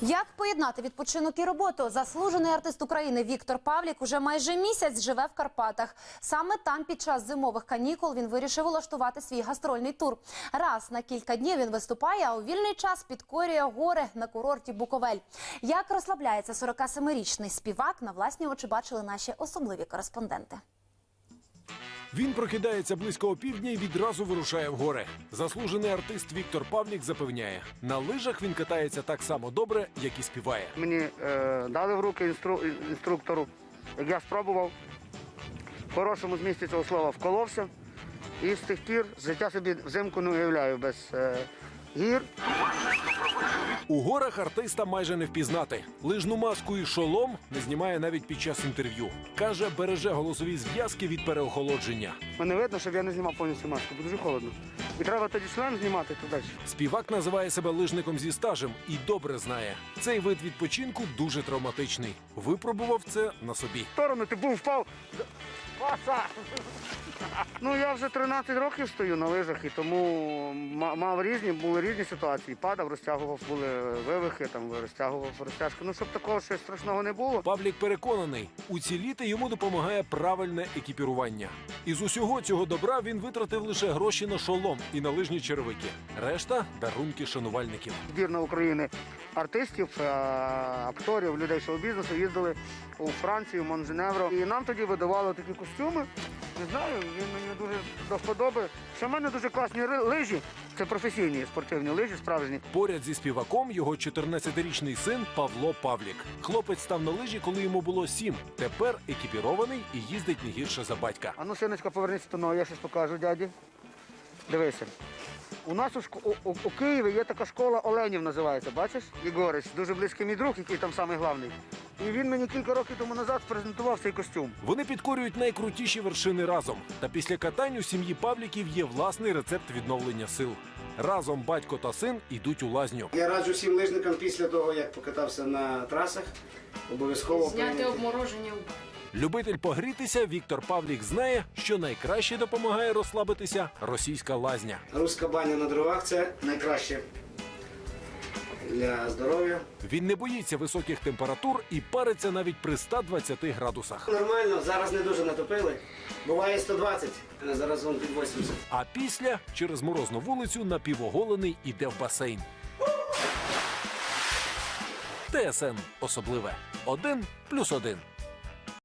Як поєднати відпочинок і роботу? Заслужений артист України Віктор Павлік уже майже місяць живе в Карпатах. Саме там під час зимових канікул він вирішив улаштувати свій гастрольний тур. Раз на кілька днів він виступає, а у вільний час підкорює гори на курорті Буковель. Як розслабляється 47-річний співак, на власні очі бачили наші особливі кореспонденти. Він прокидається близько опівдня і відразу вирушає в гори. Заслужений артист Віктор Павлік запевняє, на лижах він катається так само добре, як і співає. Мені дали в руки інструктору, як я спробував, в хорошому змісті цього слова вколовся. І з тих пір життя собі взимку не уявляю без гір. У горах артиста майже не впізнати. Лижну маску і шолом не знімає навіть під час інтерв'ю. Каже, береже голосові зв'язки від переохолодження. Мене видно, щоб я не знімав повністю маску, бо дуже холодно. І треба тоді шлем знімати туди. Співак називає себе лижником зі стажем і добре знає. Цей вид відпочинку дуже травматичний. Випробував це на собі. В сторону ти був, впав. Паса! Ну, я вже 13 років стою на лижах, і тому були різні ситуації. Падав, розтягував, були вивихи, розтягував розтяжки. Ну, щоб такого щось страшного не було. Павлік переконаний, уціліти йому допомагає правильне екіпірування. Із усього цього добра він витратив лише гроші на шолом і на лижні черевики. Решта – дарунки шанувальників. Збірна України артистів, акторів, людей шоу-бізнесу їздили у Францію, в Монженевро. І нам тоді видавали такі костюми. Не знаю, він мені дуже до вподоби. Що в мене дуже класні лижі. Це професійні спортивні лижі, справжні. Поряд зі співаком його 14-річний син Павло Павлік. Хлопець став на лижі, коли йому було 7. Тепер екіпірований і їздить не гірше за батька. А ну, синочка, повернися спиною, я щось покажу дяді. Дивися. У нас у Києві є така школа Оленів, називається, бачиш? Ігорець, дуже близький мій друг, який там самий головний. І він мені кілька років тому назад презентував цей костюм. Вони підкорюють найкрутіші вершини разом. Та після катань у сім'ї Павліків є власний рецепт відновлення сил. Разом батько та син йдуть у лазню. Я раджу всім лижникам після того, як покатався на трасах, обов'язково зняти обмороження. Любитель погрітися, Віктор Павлік знає, що найкраще допомагає розслабитися російська лазня. Руська баня на дровах – це найкраще для здоров'я. Він не боїться високих температур і париться навіть при 120 градусах. Нормально, зараз не дуже натопили. Буває 120, а зараз вон під 80. А після через морозну вулицю напівоголений іде в басейн. ТСН особливе. 1+1.